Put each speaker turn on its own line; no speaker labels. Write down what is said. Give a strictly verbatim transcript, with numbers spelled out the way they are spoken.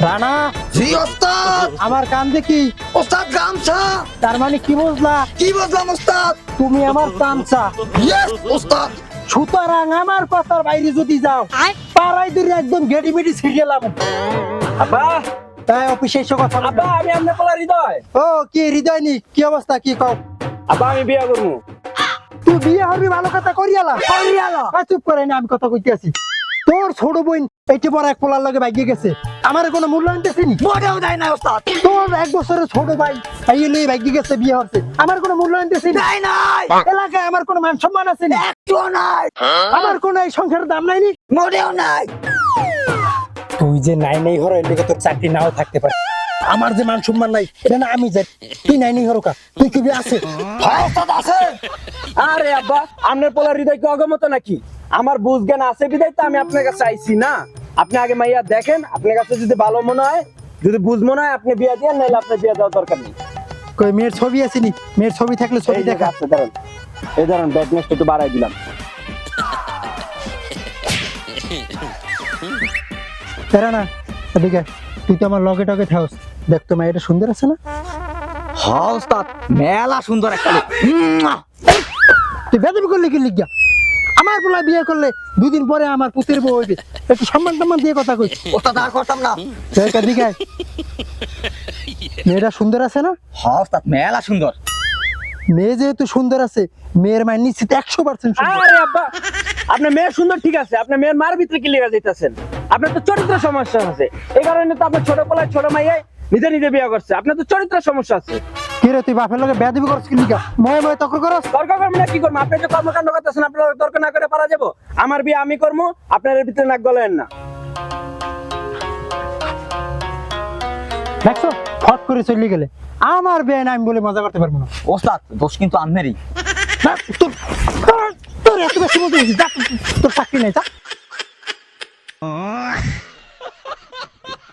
রানা
জি ওস্তাদ।
আমার কান দেখি
ওস্তাদ গামছা।
তার মানে কি বুঝলা?
কি বুঝলাম ওস্তাদ?
তুমি আমার চামচা।
ইয়েস ওস্তাদ।
সুতরাং আমার কথার বাইরে যদি যাও পাড়াই ধরে একদম গেডি মেডি ছিড়িয়েলাম।
আব্বা
তাই অফিসে এসে কথা বলবো।
আব্বা আমি আপনার পোলা হৃদয়।
ও কি হৃদয় নি, কি অবস্থা, কি কও?
আব্বা আমি বিয়ে করবো।
তুই বিয়ে হবি ভালো কথা করিয়ালা করিয়ালা চুপ করে না, আমি কথা কইতে আছি। তোর ছোট বোন এইটি বড় এক পোলার লগে ভাগিয়ে গেছে, আমার কোনো মূল্যায়ন দেখিনি।
মোটেও দেয় না ওস্তাদ।
তোর এক বছরের ছোট ভাই এই লই ভাগিয়ে গেছে, বিয়ে হচ্ছে, আমার কোনো মূল্যায়ন দেখিনি।
দেয় নাই।
এলাকায় আমার কোনো মান সম্মান আছে না,
একটুও নাই।
আমার কোনো এই সংসারের দাম নাই নি।
মোটেও নাই।
তুই যে নাই নাই হরো এর লিগে তোর চাকরি নাও থাকতে পারে, আমার যে মান সম্মান নাই এটা না আমি যাই। তুই নাই নাই হরো কা, তুই কি বিয়ে আছে?
হ্যাঁ ওস্তাদ আছে।
আরে আব্বা আপনার পোলা হৃদয় কি অগমত নাকি? আমার বুঝ জ্ঞান আছে বিদায় তো আমি আপনার কাছে আইছি না। আপনি আগে মাইয়া দেখেন, আপনার কাছে যদি ভালো মনে হয়, যদি বুঝ মনে হয় আপনি বিয়ে দিয়ে, নাহলে আপনার বিয়ে দেওয়ার দরকার নেই।
কই মেয়ের ছবি আছে নি? মেয়ের ছবি থাকলে ছবি
এই যে
দেখা।
আছে ধরেন, এই ধরেন ব্যাকনেস একটু বাড়াই দিলাম।
তেরা না এদিকে আয়। তুই তো আমার লগে টগে থাকস, দেখ তো মেয়েটা সুন্দর আছে না?
হ্যাঁ ওস্তাদ মেলা সুন্দর একটা লোক। মুয়া।
তুই বেদবি করলে কি লিখিয়া? আমার পোলা বিয়ে করলে দুদিন পরে আমার পুতের বউ হইবে, একটু সম্মান টম্মান দিয়ে কথা কই।
ওস্তাদ আর করতাম না।
এদিকে আয়। মেয়েটা সুন্দর আছে না?
হ্যাঁ ওস্তাদ মেলা সুন্দর।
মেয়ে যেহেতু সুন্দর আছে, মেয়ের মায়ের নিশ্চিত একশো পার্সেন্ট সুন্দর।
আরে আব্বা আপনার মেয়ে সুন্দর ঠিক আছে, আপনার মেয়ের মার ভিতরে কি লেগে যাইতেছেন? আপনার তো চরিত্র সমস্যা আছে, এই কারণে তো আপনার ছোট পোলায় ছোট মাইয়াই নিজে নিজে বিয়ে করছে। আপনার তো চরিত্র সমস্যা আছে।
কি রে তুই বাপের লগে বেদবি করছিস কি লিখা? ময়ে ময়ে তর্ক করস?
দরকার করবো না কি করবো? আপনি যে কর্মকাণ্ড করতেছেন আপনার তর্ক না করে পারা যাবো? আমার বিয়ে আমি করবো, আপনার এর ভিতরে নাক গলেন না।
দেখছো ফট করে চলে গেলে, আমার বিয়ে না আমি বলে মজা করতে পারবো না।
ওস্তাদ দোষ কিন্তু আনমেরই।
না, তোর তোর- তোর এত বেশি বলতে গেছিস, যা, তোর চাকরি নেই, যা।